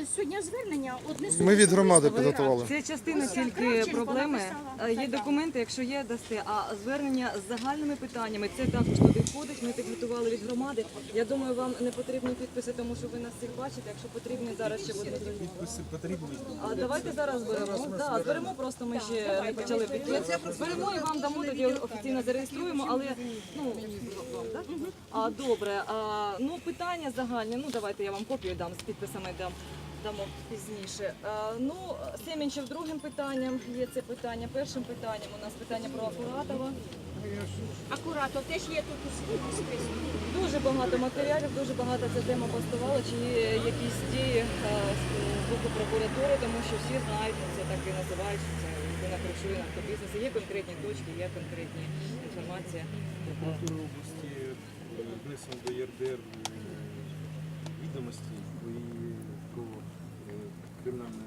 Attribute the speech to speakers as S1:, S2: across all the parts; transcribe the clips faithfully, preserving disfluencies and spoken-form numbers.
S1: сьогодні звернення однесу.
S2: Ми від громади підготували.
S3: Це частина
S1: Ось
S3: тільки
S1: Кравченко
S3: проблеми.
S1: написала.
S3: Е, Є документи, якщо є, дасте. А звернення з загальними питаннями, це також туди входить. Ми підготували від громади. Я думаю, вам не потрібні підписи, тому що ви нас всіх бачите. Якщо потрібні, зараз ще будуть.
S4: Підписи потрібні.
S3: А давайте зараз зберемо. Да, зберемо, просто ми ще не почали підписи. Зберемо і вам дамо, тоді офіційно зареєструємо, але ну вам, так? А добре. А, ну питання загальні. Ну давайте я вам копію дам з підписами дам. Дамо пізніше. А, ну, Семенчев другим питанням є це питання. Першим питанням у нас питання про Акуратова.
S1: Акуратно, теж є тут у списку.
S3: Дуже багато матеріалів, дуже багато ця тема поставала, чи є якісь дії а, з боку прокуратури, тому що всі знають, це так і називають, що це людина кришує наркобізнес. Є конкретні точки, є конкретні інформація.
S4: Прокуратури області внесено до ЄРДР відомості і про е, кримінальне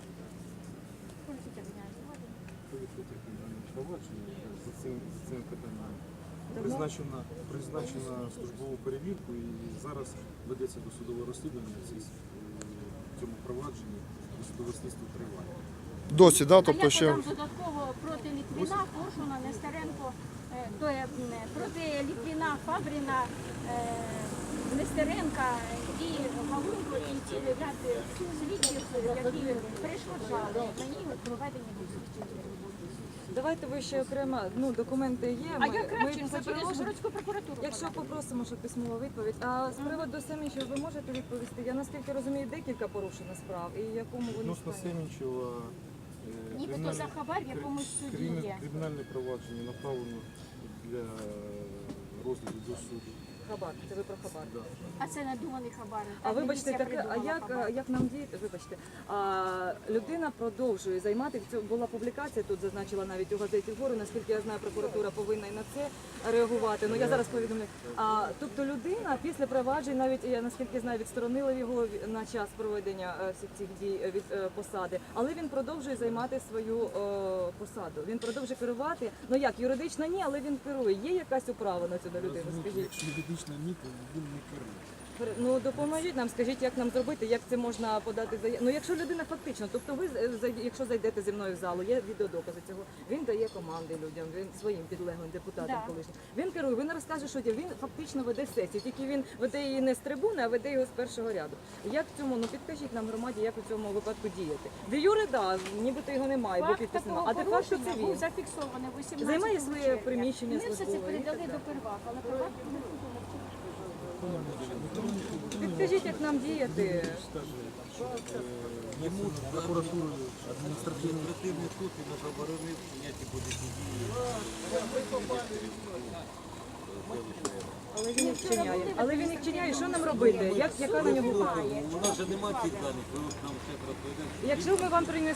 S4: кримінальне провадження за цим за цим питанням. Призначена призначена службову перевірку і зараз ведеться досудове розслідування в цьому провадженні, досудове слідство триває.
S2: Досі, да?
S1: А
S2: Тобто
S1: я
S2: ще
S1: подам додатково проти Літвіна, Коршуна, Нестеренко, е, то є, м, проти Літвіна, Фабріна, е, Нестеренка і Галунко, і цілий ряд слідчів, які перешкоджали мені у проведенні слідчих.
S3: Давайте ви ще окремо, ну документи є.
S1: А
S3: ми-
S1: я
S3: ми
S1: Кравченко
S3: це
S1: через
S3: приложимо.
S1: городську прокуратуру.
S3: Якщо
S1: подам.
S3: попросимо, щоб письмова відповідь. А з приводу Семенчева ви можете відповісти? Я наскільки розумію, декілька порушено справ і якому ви не
S4: Відносно
S3: станете?
S4: Семенчева е,
S1: Нібито
S4: кримінальне-
S1: за хабар в якомусь суді
S4: кримі-
S1: є.
S4: Кримінальне провадження направлено для розгляду до суду.
S3: Хабар, це ви про хабар.
S4: Да.
S1: А це надуманий хабар.
S3: А
S1: Так,
S3: вибачте,
S1: міліція
S3: таке, а
S1: придумала
S3: як,
S1: хабар.
S3: як нам діяти? Вибачте, а, людина продовжує займати. Це була публікація, тут зазначила навіть у газеті «Вгору», наскільки я знаю, прокуратура повинна і на це реагувати. Ну я зараз повідомлю. А тобто людина після проваджень, навіть я наскільки знаю, відсторонила його ві- на час проведення е, всіх цих дій е, від е, посади, але він продовжує займати свою е, посаду. Він продовжує керувати. Ну як юридично ні, але він керує. Є якась управа на цю людину?
S4: Розумієте,
S3: Скажіть.
S4: якщо юридично ні, то він не керує.
S3: Ну допоможіть нам, скажіть, як нам зробити, як це можна подати заяву. Ну якщо людина фактично, тобто ви е, зай- якщо зайдете зі мною в залу, є відеодокази цього. Він дає команди людям, він своїм підлеглим депутатам
S1: Да.
S3: колишнім. Він керує, він розкаже, що він фактично веде сесію. Тільки він веде її не з трибуни, а веде його з першого ряду. Як в цьому, ну підкажіть нам громаді, як у цьому випадку діяти. Де юри, да, нібито його немає, бо
S1: Факт
S3: підпис
S1: такого
S3: немає. А де факт, що це
S1: порушення був
S3: він.
S1: зафіксований вісімнадцятого
S3: Займає своє
S1: червня.
S3: приміщення
S1: Ми все це
S3: службове і
S1: передали
S3: так
S1: до Первака, але Первак не
S3: Підкажіть, як нам діяти.
S4: Йому прокуратурою адміністративною
S5: Адміністративний суд і не заборонив ніякі будь-які дії.
S3: Але він їх вчиняє. Але він їх вчиняє. Що нам робити? Як, яка на нього?
S5: У нас же немає цих даних, ви нам все розповідаєте.
S3: Якщо ми вам принесемо